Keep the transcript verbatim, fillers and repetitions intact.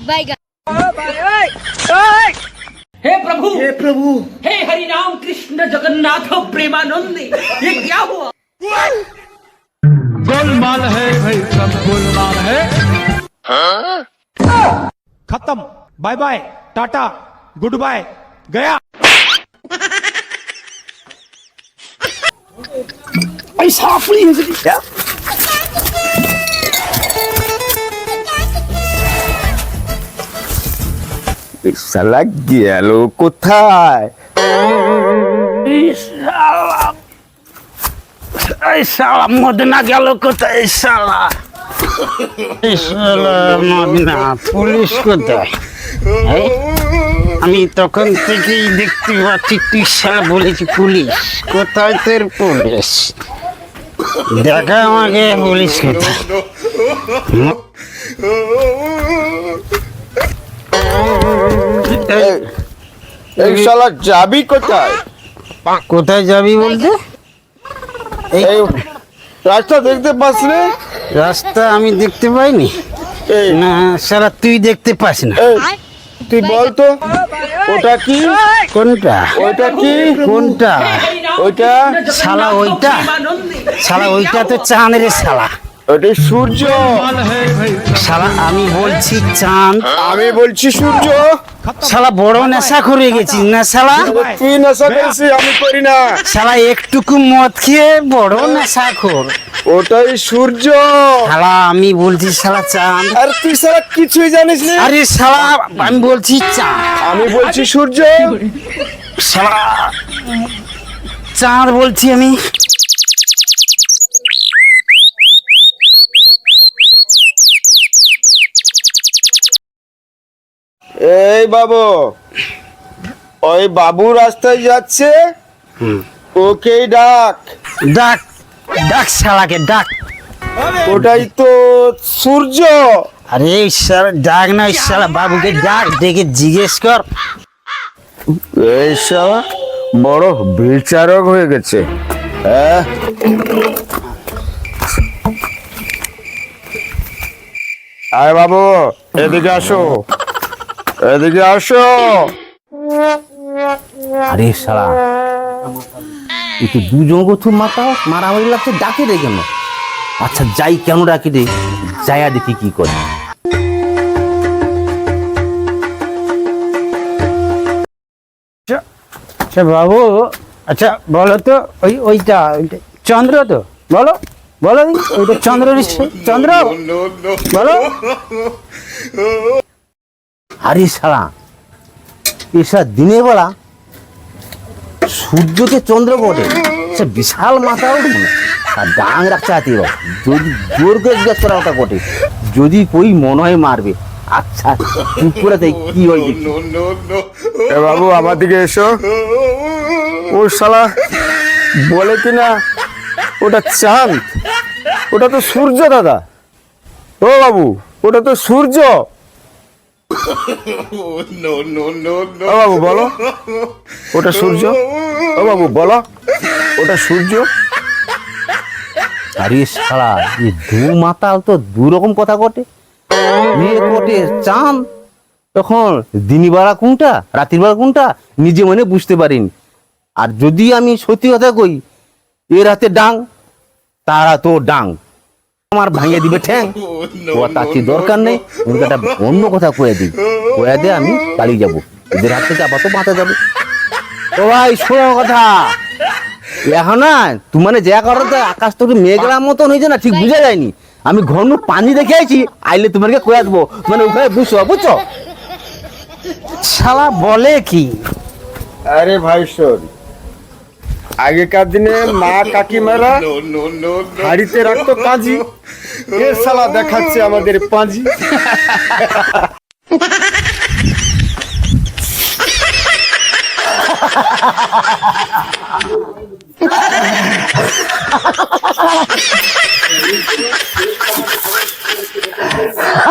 हे प्रभु हे प्रभु हे हरि राम कृष्ण जगन्नाथ प्रेमानंद, ये क्या हुआ? गोलमाल है भाई, सब गोलमाल है। खत्म, bye bye, tata, goodbye, गया। पैसा फ्री है जी क्या? শালা গেল কোথায়? এই শালা মদনা গেল কোথায়? শালা এই শালা মদনা পুলিশ কোথায়? এই, আমি তখন থেকেই দেখতে পাচ্ছি তুই শালা বলেছি পুলিশ কোথায়? তোর পুলিশ দেখা আমাকে, পুলিশ কোথায়? এই- এই শালা যাবি কোথায়? কোথায় যাবি বলতে? এই এই রাস্তা দেখতে পাস রে? রাস্তা আমি দেখতে পাইনি। এই না শালা তুই দেখতে পাস না। এই, তুই বল তো ওটা কি? কোনটা? ওইটা কি? কোনটা? ওইটা শালা ওইটা? শালা ওইটা তো চাঁদ রে শালা। ওটা সূর্য। শালা আমি বলছি চাঁদ, আমি বলছি সূর্য। শালা বড় নেশা করে গেছিস না শালা? তুই নেশা করিস, আমি করি না। শালা একটুকু মদ খেয়ে বড় নেশা খোর। ওটাই সূর্য। শালা আমি বলছি শালা চাঁদ। আর তুই শালা কিছুই জানিস না। আরে শালা আমি বলছি চাঁদ, আমি বলছি সূর্য। শালা চাঁদ বলছি আমি। এই বাবু, ওই বাবু রাস্তায় যাচ্ছে, ওকেই ডাক। ডাক ডাক শালাকে ডাক। ওটাই তো সূর্য। আরে শালা ডাক না, শালা বাবুকে ডাক, ডেকে জিজ্ঞেস কর। এই শালা বড় বিচারক হয়ে গেছে। হ্যাঁ, আয় বাবু, এদিকে আসো, এদিকে আসো। আরে শালা এই তো দুজন গোথু মাথা মারামারি লাগছে, ডাকে রে কেন? আচ্ছা যাই, কেন ডাকি রে, যাইয়া দেখি কি করে। আচ্ছা বাবু, আচ্ছা বলো তো, ওই ওইটা ওইটা চন্দ্র তো? বলো বলো দেখি, ওইটা চন্দ্র নিশ্চয়? চন্দ্র বলো। আরে শালা এসা দিনের বেলা সূর্যকে চন্দ্র বটে, সে বিশাল মাথা উঠবে না, আর ডাং রাখছে হাতি। যদি জোর করে জিজ্ঞাসা করা ওটা বটে, যদি কই মনে হয় মারবে। আচ্ছা চুপ করে তাই কি হয় দেখি। এ বাবু, আমার দিকে এসো। ও শালা বলে কিনা ওটা চাঁদ, ওটা তো সূর্য দাদা। ও বাবু, ওটা তো সূর্য। ও বাবু বলো, ওটা সূর্য। ও বাবু বলো, ওটা সূর্য। আরে শালা এই দু মাতাল তো দু রকম কথা কটে। মেয়ে কটে চাঁদ, তখন দিনী বেলা কোনটা রাতের বেলা কোনটা নিজে মনে বুঝতে পারিনি। আর যদি আমি সত্যি কথা কই, এ রাতে ডাং, তারা তো ডাং, আমার ভাঙিয়ে দিবে ঠ্যাং। ও তার কি দরকার নেই, ওকে একটা অন্য কথা কয়ে দিই, কয়ে দিয়ে আমি পালিয়ে যাবো, এদের হাত থেকে আবার তো বাঁচা যাবে। ও ভাই শোনো কথা, এখন না তুমি মানে যা করো তো আকাশ তো মেঘলার মতন হয়েছে না, ঠিক বুঝা যায়নি। আমি ঘন পানি দেখে আইছি, আইলে তোমাকে কয়ে আসবো, মানে ওখানে বুঝছো বুঝছো। শালা বলে কি? আরে ভাই শোন, আগেকার দিনে মা কাকিমারা হাড়িতে রাখতো পাঁজি, এ শালা দেখাচ্ছে আমাদের পাঁজি।